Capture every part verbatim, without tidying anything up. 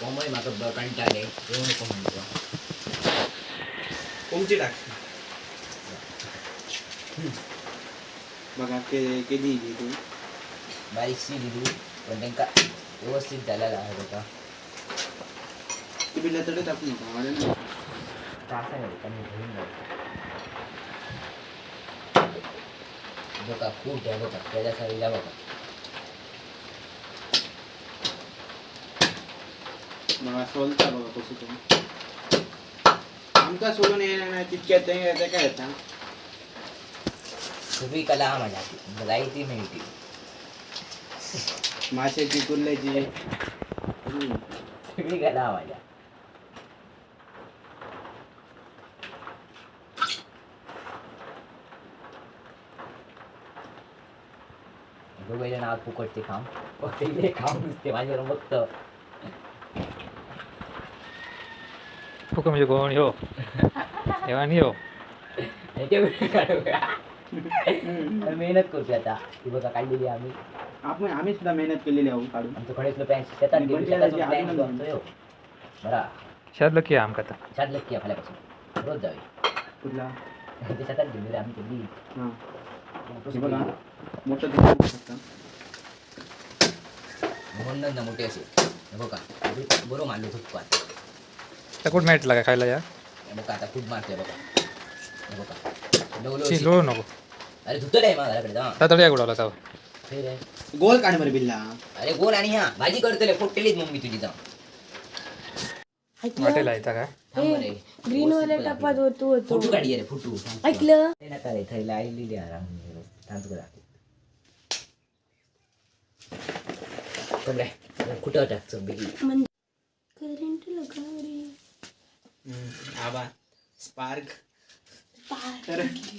कोमय म्हाका कंटाळे येऊ नको म्हणतो कोमची टाक बघा के केली तू बारीकशी दिली पण त्यांना व्यवस्थित झालेला आहे बघा ती बिल्ला तडे टाकू नका मला ना टाका नाही कमी घेऊन जाऊ बघा खूप आहे बघा त्याच्या साईडला बघा बघा सोलता बघा कसं तुम्ही आमका सोडून येणार नाही तितक्यात ते काय येतं सगळी कला माझ्या मलाई ती मिळते माशाची कुर्ल्याची सगळी कला माझ्या दोघे जण आग फुकटते काम पहिले काम नुसते माझ्यावर बघतं फुक म्हणजे कोण हो देवानी हो मेहनत करतो आता ती बघा काढलेली आम्ही आपण आम्ही सुद्धा मेहनत केलेली आहोत काढून आमचं कडेसलं पॅन्ट शेतात गेलो शेतातून पॅन्ट घेऊन आणतोय बरा शादलं की आमका आता शाद लक्की आपल्यापासून रोज जावे कुठला ते शेतात गेलो रे आम्ही कधी हां हे बघा मोठं तुम्ही बघू शकता म्हणून ना मोठे असे हे बघा बरोबर मारलो धुपकात त्या कुठं मॅटला काय खायला या हे बघा आता खूप मारतोय बघा हे बघा डवलो ची लोळू नको अरे धुतो रे मग घराकडे जा त्या तळ्या उडवला जाऊ हे रे गोल काढ बरं बिल्ला अरे गोल आणि ह्या भाजी करतले फोटलेलीच मम्मी तुझी जा वाटेला येता काय थांब रे ग्रीन वाला टपात होतो होतो फोटो काढी रे फोटो ऐकलं ते नका रे थैला आईली आराम थांब करा चल रे कुठं टाक चल बेगी करंट लगा रे आबा स्पार्क पार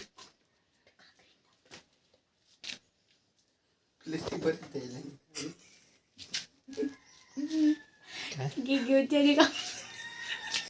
लिस्टिक बरं गे घेऊ का